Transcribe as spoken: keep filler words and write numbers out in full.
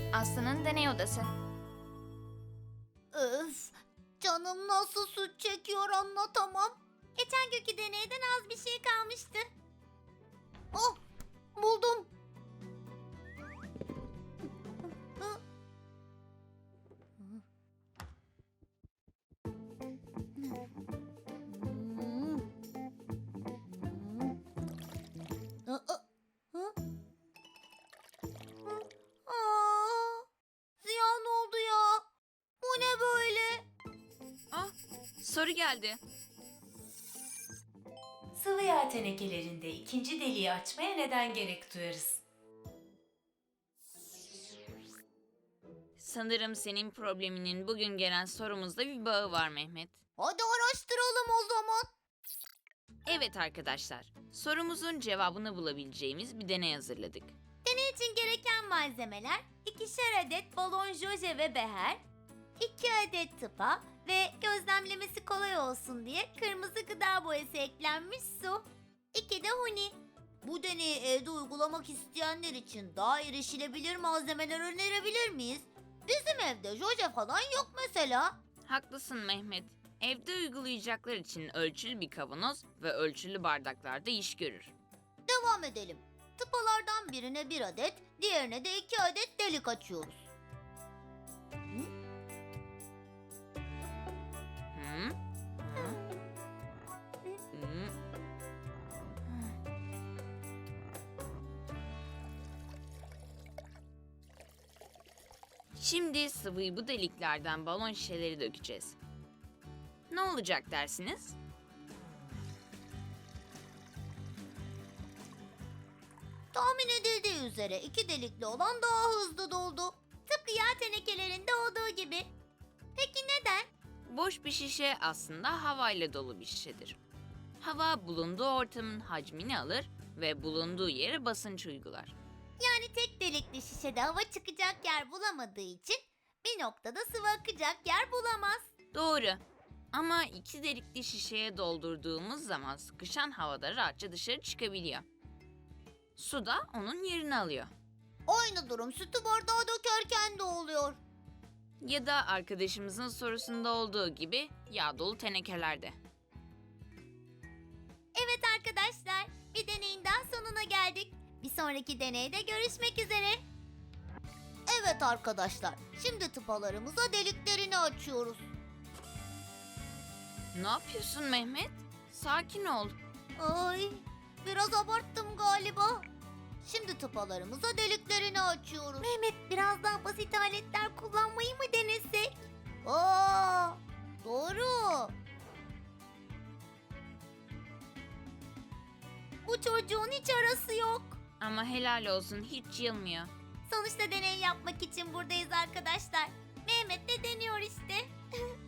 Aslı'nın deney odası. Öf, canım nasıl süt çekiyor anlatamam. Geçen günkü deneyden az bir şey kalmıştı. Oh, buldum. Aa, ziyan oldu ya. Bu ne böyle? Ah, soru geldi. Sıvı yağ tenekelerinde ikinci deliği açmaya neden gerek duyarız? Sanırım senin probleminin bugün gelen sorumuzda bir bağı var Mehmet. Hadi araştıralım o zaman. Evet arkadaşlar, sorumuzun cevabını bulabileceğimiz bir deney hazırladık. Deney için gereken malzemeler ikişer adet balon joje ve beher, iki adet tıpa ve gözlemlemesi kolay olsun diye kırmızı gıda boyası eklenmiş su, iki de huni. Bu deneyi evde uygulamak isteyenler için daha erişilebilir malzemeler önerebilir miyiz? Bizim evde joje falan yok mesela. Haklısın Mehmet. Evde uygulayacaklar için ölçülü bir kavanoz ve ölçülü bardaklarda iş görür. Devam edelim. Tıpalardan birine bir adet, diğerine de iki adet delik açıyoruz. Hı? Hı? Hı? Şimdi sıvıyı bu deliklerden balon şişeleri dökeceğiz. Ne olacak dersiniz? Tahmin edildiği üzere iki delikli olan daha hızlı doldu. Tıpkı yağ tenekelerinde olduğu gibi. Peki neden? Boş bir şişe aslında havayla dolu bir şişedir. Hava bulunduğu ortamın hacmini alır ve bulunduğu yere basınç uygular. Yani tek delikli şişede hava çıkacak yer bulamadığı için bir noktada sıvı akacak yer bulamaz. Doğru. Ama iki delikli şişeye doldurduğumuz zaman sıkışan havada rahatça dışarı çıkabiliyor. Su da onun yerini alıyor. Aynı durum sütü bardağa dökerken de oluyor. Ya da arkadaşımızın sorusunda olduğu gibi yağ dolu tenekelerde. Evet arkadaşlar, bir deneyin daha sonuna geldik. Bir sonraki deneyde görüşmek üzere. Evet arkadaşlar, şimdi tıpalarımıza deliklerini açıyoruz. Ne yapıyorsun Mehmet? Sakin ol. Ay, biraz abarttım galiba. Şimdi tıpalarımıza deliklerini açıyoruz. Mehmet, biraz daha basit aletler kullanmayı mı denesek? Aa, doğru. Bu çocuğun hiç arası yok. Ama helal olsun hiç yılmıyor. Sonuçta deney yapmak için buradayız arkadaşlar. Mehmet de deniyor işte.